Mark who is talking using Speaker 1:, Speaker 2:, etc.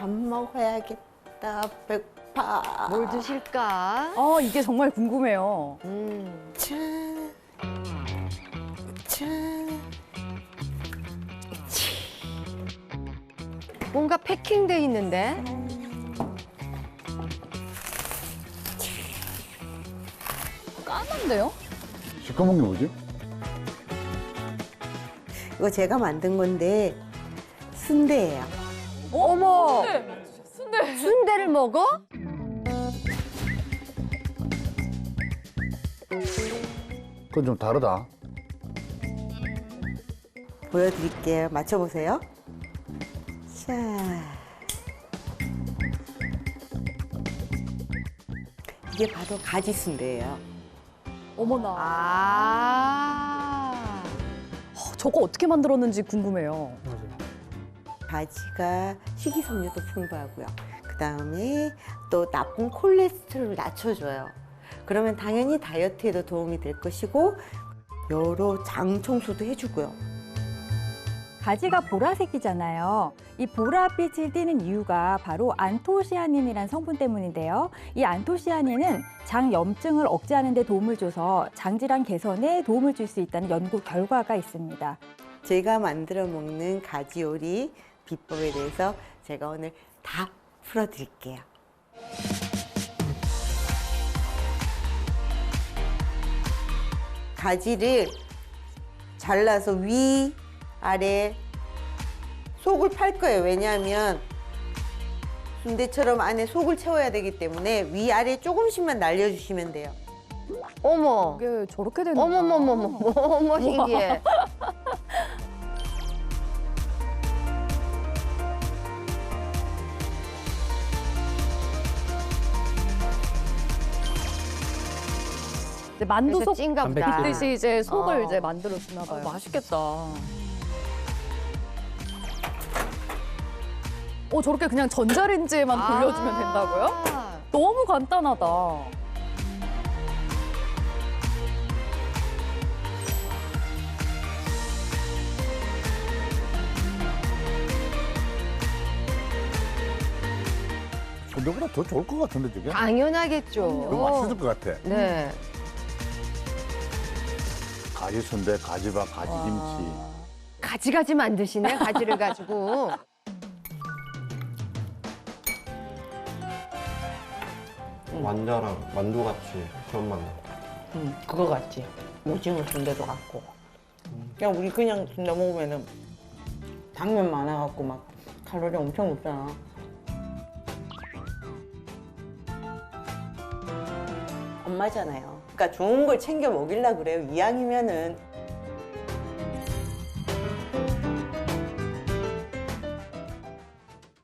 Speaker 1: 밥 먹어야겠다. 배고파.
Speaker 2: 뭘 드실까?
Speaker 3: 이게 정말 궁금해요.
Speaker 1: 짠. 짠.
Speaker 2: 뭔가 패킹돼 있는데?
Speaker 3: 까만데요?
Speaker 4: 시커먼 게 뭐지?
Speaker 1: 이거 제가 만든 건데 순대예요.
Speaker 2: 어머! 순대를 먹어?
Speaker 4: 그건 좀 다르다.
Speaker 1: 보여드릴게요. 맞춰보세요. 자. 이게 바로 가지 순대예요.
Speaker 3: 어머나.
Speaker 2: 아.
Speaker 3: 저거 어떻게 만들었는지 궁금해요.
Speaker 1: 가지가 식이섬유도 풍부하고요. 그다음에 또 나쁜 콜레스테롤을 낮춰줘요. 그러면 당연히 다이어트에도 도움이 될 것이고 여러 장 청소도 해주고요.
Speaker 5: 가지가 보라색이잖아요. 이 보랏빛을 띠는 이유가 바로 안토시아닌이라는 성분 때문인데요. 이 안토시아닌은 장 염증을 억제하는 데 도움을 줘서 장질환 개선에 도움을 줄 수 있다는 연구 결과가 있습니다.
Speaker 1: 제가 만들어 먹는 가지 요리 비법에 대해서 제가 오늘 다 풀어드릴게요. 가지를 잘라서 위, 아래, 속을 팔 거예요. 왜냐하면 순대처럼 안에 속을 채워야 되기 때문에 위, 아래 조금씩만 날려주시면 돼요.
Speaker 2: 어머.
Speaker 3: 이게 저렇게 되는 거야.
Speaker 2: 어머머머머. 어머, 신기해.
Speaker 3: 이제 만두
Speaker 2: 그래서
Speaker 3: 속
Speaker 2: 찐가 보다.
Speaker 3: 듯이 이제 속을
Speaker 2: 어.
Speaker 3: 이제 만들어 주나 봐요. 맛있겠다. 저렇게 그냥 전자레인지에만 돌려주면 된다고요?
Speaker 2: 아.
Speaker 3: 너무 간단하다.
Speaker 4: 순대보다 더 좋을 것 같은데, 저게?
Speaker 2: 당연하겠죠.
Speaker 4: 더 맛있을 것 같아.
Speaker 2: 네.
Speaker 4: 가지 순대, 가지밥, 가지김치.
Speaker 2: 가지가지 만드시네, 가지를 가지고.
Speaker 6: 완자랑 만두같이 그런 맛 나.
Speaker 1: 그거 같지. 오징어 순대도 같고. 그냥 우리 그냥 순대 먹으면은 당면 많아갖고 막 칼로리 엄청 높잖아. 엄마잖아요. 그러니까 좋은 걸 챙겨 먹이려 그래요. 이왕이면은